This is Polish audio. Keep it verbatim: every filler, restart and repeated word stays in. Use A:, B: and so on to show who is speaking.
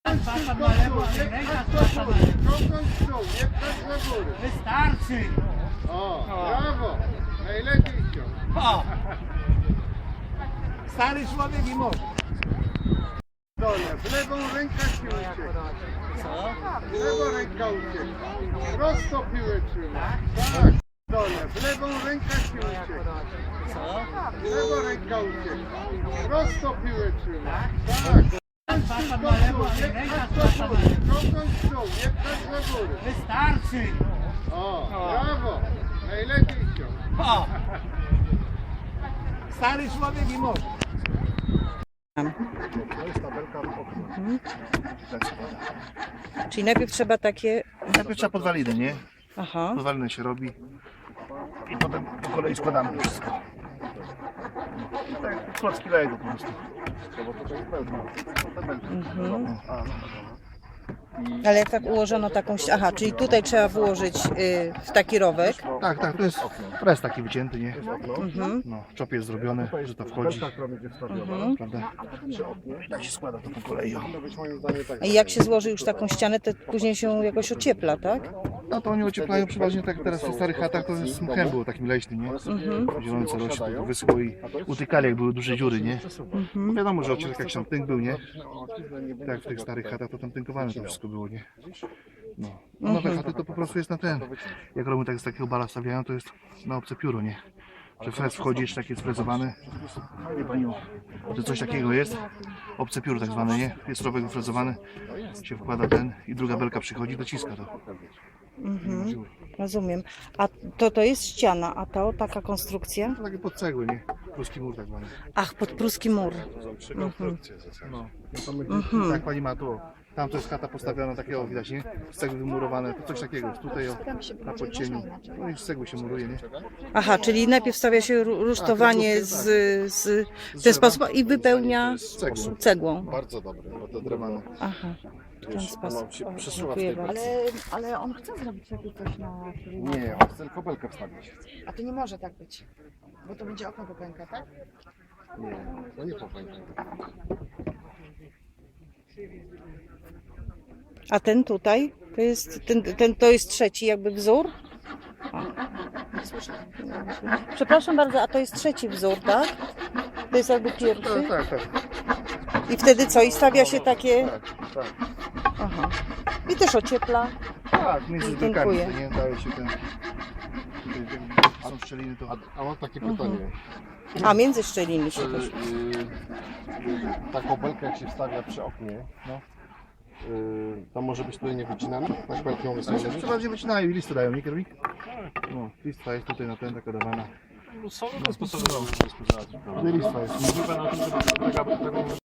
A: Papa na lewo, ręka papa na lewo.
B: Ciągnąć w dół, nie pchać na górę.
A: Wystarczy!
B: O, brawo. Najlepiej ciąg.
A: O! Stary człowiek i może.
B: Dole, w lewą ręka ci ucieka.
A: Co?
B: W lewą ręka ucieka. Prosto piłę trzyma. Tak. Dole, w lewą ręka ci ucieka.
A: Co?
B: W lewą ręka ucieka. Prosto piłę trzyma. Tak.
A: Papa na lewo, ręka papa na lewo.
B: Ciągnąć w dół, nie pchać na górę.
A: Wystarczy!
B: O, brawo. Najlepiej ciąg.
A: O! Stary człowiek i może.
C: Czyli najpierw trzeba takie...
D: Najpierw trzeba podwaliny, nie?
C: Aha.
D: Podwaliny się robi i potem po kolei składamy to wszystko. Tak jak klocki Lego po prostu.
C: Mhm. Ale jak tak ułożono taką... ści- Aha, czyli tutaj trzeba włożyć y, w taki rowek.
D: Tak, tak, to jest pres taki wycięty, nie?
C: Mhm.
D: No, czop jest zrobiony, że to wchodzi,
C: Mhm.
D: prawda? I tak się składa to po kolei. o.
C: I jak się złoży już taką ścianę, to później się jakoś ociepla, tak?
D: No to oni ocieplają przeważnie tak teraz w starych chatach, to jest mchem było takim leśnym, nie?
C: Mhm.
D: Zielony co rośnie, to wyschło i utykali jak były duże dziury, nie? No wiadomo, że ociek jakiś tam tynk był, nie? Tak, w tych starych chatach to tam tynkowane to wszystko było, nie? No. A nowe chaty to po prostu jest na ten. Jak robią tak z takiego bala stawiają, to jest na obce pióro, nie? Że frez wchodzi, jeszcze tak jest frezowany. Wie pani, o, to coś takiego jest. Obce pióro tak zwane, nie? Jest rowek wyfrezowany, się wkłada ten i druga belka przychodzi, dociska to.
C: Mhm. Rozumiem. A to to jest ściana, a to taka konstrukcja?
D: To takie pod cegły, nie? Pruski mur tak zwany.
C: Ach, pod pruski mur. Mhm.
D: No, no to my, tak pani ma tu. Tam to jest chata postawiona takiego, widać, nie? Z cegły wymurowane, to coś takiego. Tutaj o, na podcieniu. No i z cegły się muruje, nie?
C: Aha, czyli najpierw stawia się ru- rusztowanie z, z, w ten sposób i wypełnia
D: Z cegły.
C: cegłą.
E: Bardzo dobry, bo to
D: Drewno.
C: Aha, w ten sposób.
E: się
C: O,
E: przesuwa w
C: dziękuję
E: tej
C: bardzo.
F: Ale, ale on chce zrobić takie coś na...
E: Nie, on chce tylko belkę wstawić.
F: A to nie może tak być. Bo to będzie okno popęka, tak?
E: Nie, to nie popęka.
C: A ten tutaj, to jest, ten, ten, to jest trzeci jakby wzór? O. Przepraszam bardzo, a to jest trzeci wzór, tak? To jest jakby pierwszy?
D: Tak, tak, tak.
C: I wtedy co? I stawia się takie...
D: Tak, tak.
C: Aha. I też ociepla.
D: Tak, między belkami,
C: Dziękuję.
D: to nie daje się ten... Tutaj ten, są szczeliny, to...
E: A, a mam takie pytanie.
C: A między szczeliny się
E: Czy
C: też.
E: y, taką belkę jak się wstawia przy oknie,
D: No.
E: y, to może być tutaj nie wycinana? Tak belkę ją
D: Znaczy,
E: wysłać?
D: przeważnie wycinają i listy dają, nie kierownik? No, listwa jest tutaj na ten, taka dawana.
G: Są różne sposoby na
D: Tutaj listwa jest.
G: używa na tym, żeby tego